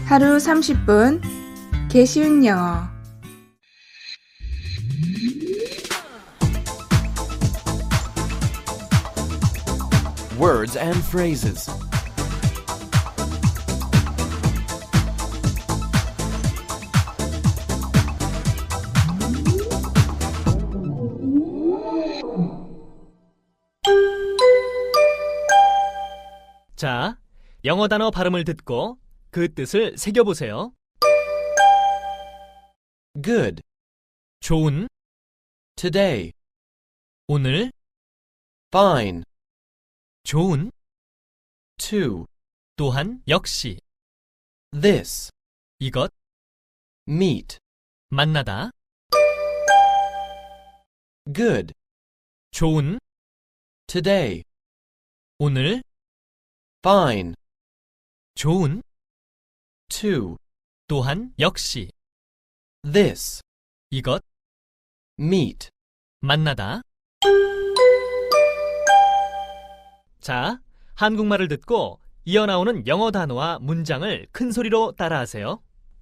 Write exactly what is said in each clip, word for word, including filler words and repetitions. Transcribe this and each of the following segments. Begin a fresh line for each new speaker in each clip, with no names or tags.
하루 삼십 분 개쉬운 영어.
Words and phrases.
자, 영어 단어 발음을 듣고 그 뜻을 새겨보세요.
Good.
좋은,
Today.
오늘,
Fine.
좋은,
To.
또한, 역시,
This.
이것,
Meet.
만나다,
Good.
좋은,
Today.
오늘,
Fine.
좋은,
To.
또한, 역시,
This.
이것,
Meet.
만나다. 자, 한국말을 듣고 이어나오는 영어 단어와 문장을 큰 소리로 따라하세요.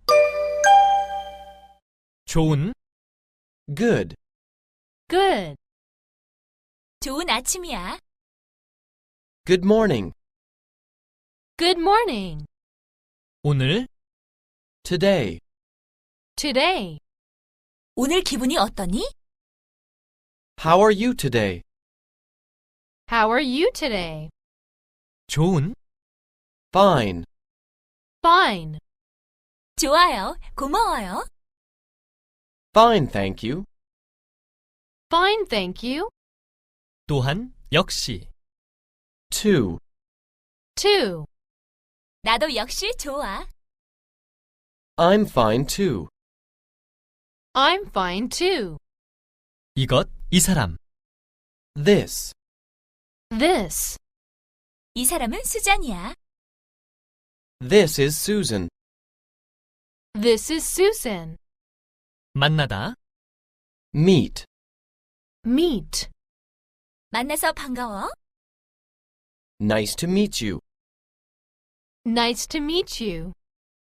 좋은,
Good.
Good. 좋은 아침이야.
Good morning.
Good morning.
오늘,
Today.
Today. 오늘 기분이 어떠니?
How are you today?
How are you today?
좋은,
Fine.
Fine. 좋아요. 고마워요.
Fine, thank you.
Fine, thank you.
또한, 역시,
To.
Two. 나도 역시 좋아.
I'm fine too.
I'm fine too.
이것, 이 사람,
This.
This. 이 사람은 수잔이야.
This is Susan.
This is Susan.
만나다,
Meet.
Meet. 만나서 반가워.
Nice to meet you.
Nice to meet you.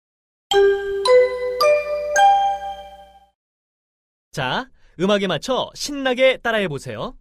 자, 음악에 맞춰 신나게 따라해 보세요.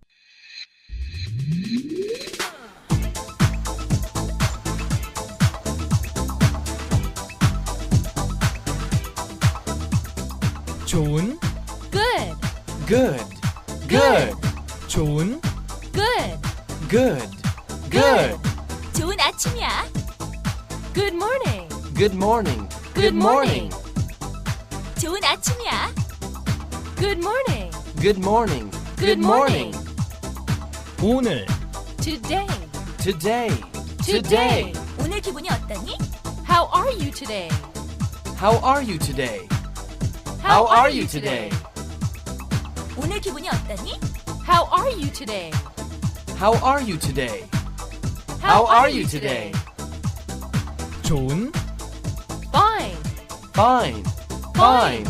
좋은,
Good.
Good. Good.
좋은,
Good.
Good. Good.
좋은 아침이야. Good morning.
Good morning.
Good morning. 좋은 아침이야. Good morning.
Good morning.
Good morning.
오늘,
Today.
Today.
Today. 오늘 기분이 어떠니? How are you today?
How are you today? How are you today?
오늘 기분이 어떠니? How are you today?
How are you today? How are you today?
좋은,
Fine.
Fine. Fine.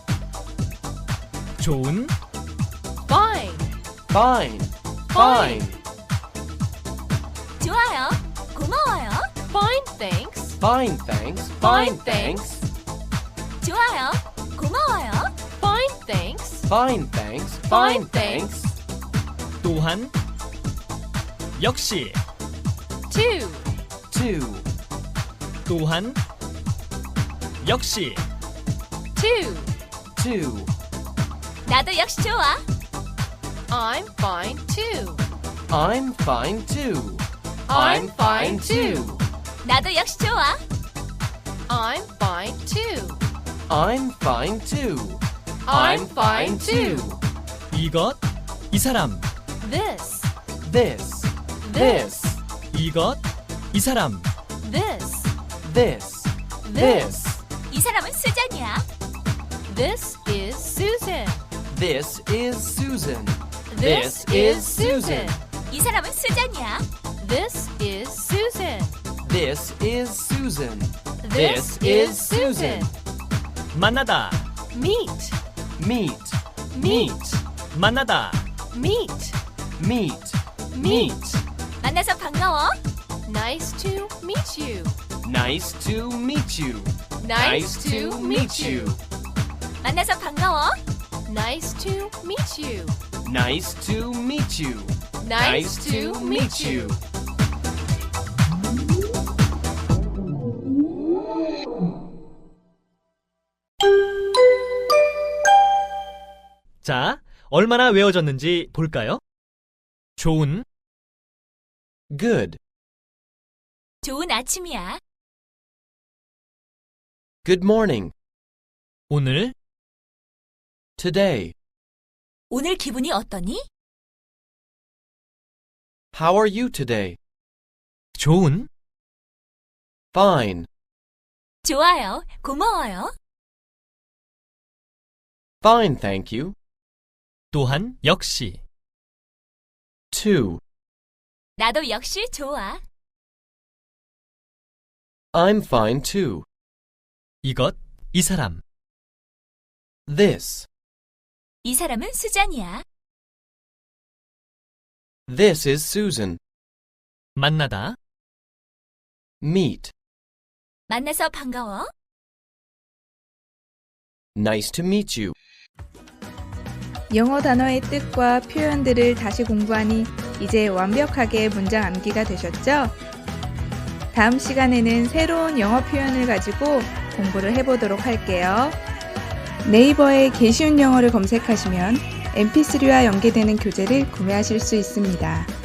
좋은,
Fine.
Fine. Fine.
좋아요. 고마워요. Fine, thanks.
Fine, thanks. Fine, thanks.
좋아요. 고마워요. Fine, thanks.
Fine, thanks. Fine, thanks.
또한, 역시,
Two.
Two.
또한, 역시,
Two.
Two.
나도 역시 좋아. I'm fine too.
I'm fine too.
I'm fine too. 나도 역시 좋아. I'm fine too.
I'm fine too.
I'm fine too.
이것, 이 사람,
This.
This.
This.
이것, 이 사람,
This.
This. This.
이 사람은 수잔이야. This is Susan.
This is Susan.
This is Susan. 이 사람은 수잔이야. This is Susan.
This is Susan.
This is Susan.
만나다,
Meet.
Meet.
Meet.
만나다,
Meet.
Meet.
Meet. 만나서 반가워. Nice to meet you.
Nice to meet you. Nice to meet you.
만나서 반가워. Nice to meet you.
Nice to meet you.
Nice to meet you.
자, 얼마나 외워졌는지 볼까요? 좋은,
Good.
좋은 아침이야.
Good morning.
오늘,
Today.
오늘 기분이 어떠니?
How are you today?
좋은,
Fine.
좋아요. 고마워요.
Fine, thank you.
또한 역시.
Two.
나도 역시 좋아.
I'm fine too.
이것, 이 사람.
This.
이 사람은 수잔이야.
This is Susan.
만나다,
Meet.
만나서 반가워.
Nice to meet you.
영어 단어의 뜻과 표현들을 다시 공부하니 이제 완벽하게 문장 암기가 되셨죠? 다음 시간에는 새로운 영어 표현을 가지고 공부를 해보도록 할게요. 네이버에 개쉬운 영어를 검색하시면 엠피쓰리와 연계되는 교재를 구매하실 수 있습니다.